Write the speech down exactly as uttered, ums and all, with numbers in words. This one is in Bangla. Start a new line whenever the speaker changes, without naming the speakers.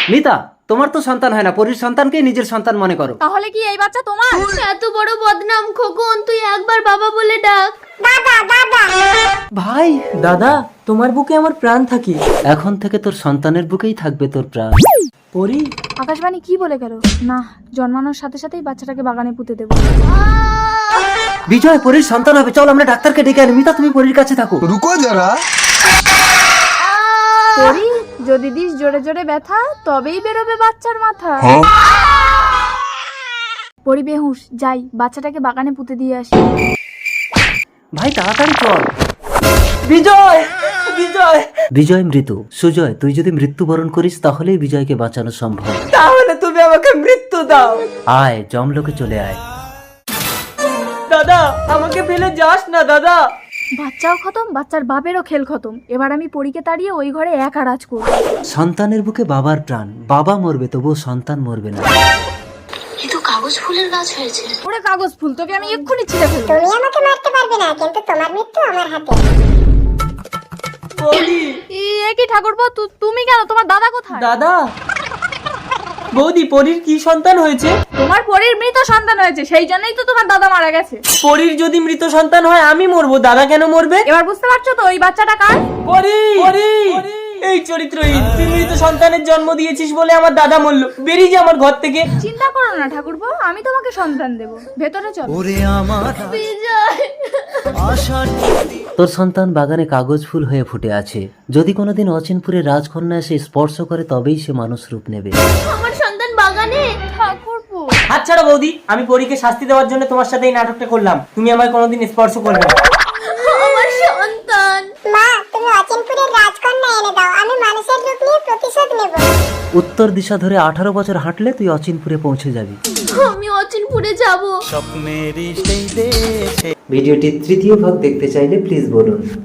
মিতা, তোমার তো সন্তান হয় না, পরীর সন্তানকে নিজের সন্তান মনে করো।
তাহলে কি এই বাচ্চা তোমার?
এত বড় বদনাম খোকন, তুই একবার বাবা বলে ডাক।
ভাই,
দাদা, তোমার বুকে আমার প্রাণ থাকে।
এখন থেকে তোর সন্তানের বুকেই থাকবে তোর প্রাণ।
পরি,
আকাশবাণী কি বলে গেল? না, জন্মানোর সাথে সাথেই বাচ্চাটাকে বাগানে পুঁতে দেবো।
বিজয় পরীর সন্তান হবে, চল আমরা ডাক্তারকে ডেকে আনি। মিতা, তুমি পরীর কাছে থাকো।
रुको जरा।
পরি, যদি দিস জোরে জোরে ব্যথা, তবেই বেরোবে বাচ্চার মাথা। পরি বেহুশ, যাই বাচ্চাটাকে বাগানে পুঁতে দিয়ে আসি।
ভাই তাড়াতাড়ি চল।
বিজয়, বিজয়,
বিজয় মৃত। সুজয়, তুই যদি মৃত্যুবরণ করিস তাহলেই বিজয়কে বাঁচানো সম্ভব।
তাহলে তুমি আমাকে মৃত্যু দাও।
আয়, জমলোকে চলে আয়।
দাদা, আমাকে ফেলে যাস না দাদা।
বাচ্চাও খতম, বাচ্চার বাপেরও খেল খতম। এবার আমি পরীকে তাড়িয়ে ওই ঘরে একা রাজ করব।
সন্তানের বুকে বাবার প্রাণ। বাবা মরবে তবুও সন্তান মরবে না।
কিন্তু কাগজ ফুলের গাছ হয়েছে।
ওরে কাগজ ফুল, তোকে আমি এক্ষুনি ছিঁড়ে ফেলবো।
তুমি আমাকে মারতে পারবে না, কিন্তু তোমার মৃত্যু আমার হাতে।
বৌদি,
এ কি ঠাকুরপো, তু- তুমি কেন? তোমার দাদা কোথায়?
দাদা। বৌদি, পরীর কি সন্তান হয়েছে?
তোমার পরীর মৃত সন্তান হয়েছে, সেই জন্যই তো তোমার দাদা মারা গেছে।
পরীর যদি মৃত সন্তান হয় আমি মরবো, দাদা কেন মরবে?
এবার বুঝতে পারছো তো ওই বাচ্চাটা কার?
পরী, পরী, এই চরিত্রহীন, তুই মৃত সন্তানের জন্ম দিয়েছিস বলে আমার দাদা মরলো। বেরিয়ে যা আমার ঘর থেকে।
চিন্তা করো না ঠাকুরপো, আমি তোমাকে সন্তান দেব। ভেতরে চলো।
বিজয়,
তোর সন্তান বাগানে কাগজ ফুল হয়ে ফুটে আছে। যদি কোনোদিন অচিনপুরে রাজকন্যা এসে স্পর্শ করে তবেই সে মানুষ রূপ নেবে।
আমার সন্তান বাগানে।
ঠাকুরপো,
হাত ছাড়া বৌদি, আমি পরীকে শাস্তি দেওয়ার জন্য তোমার সাথে এই নাটকটা করলাম। তুমি আমায় কোনোদিন স্পর্শ করবে না।
আমার সন্তান।
মা, তুমি অচিনপুরের রাজকন্যা এনে দাও, আমি মানুষের রূপ নিয়ে প্রতিশোধ নেব।
উত্তর দিশা ধরে আঠারো বছর হাঁটলে তুই অচিনপুরে পৌঁছে যাবি।
আমি অচিনপুরে যাব।
ভিডিওটির তৃতীয় ভাগ দেখতে চাইলে প্লিজ বলুন।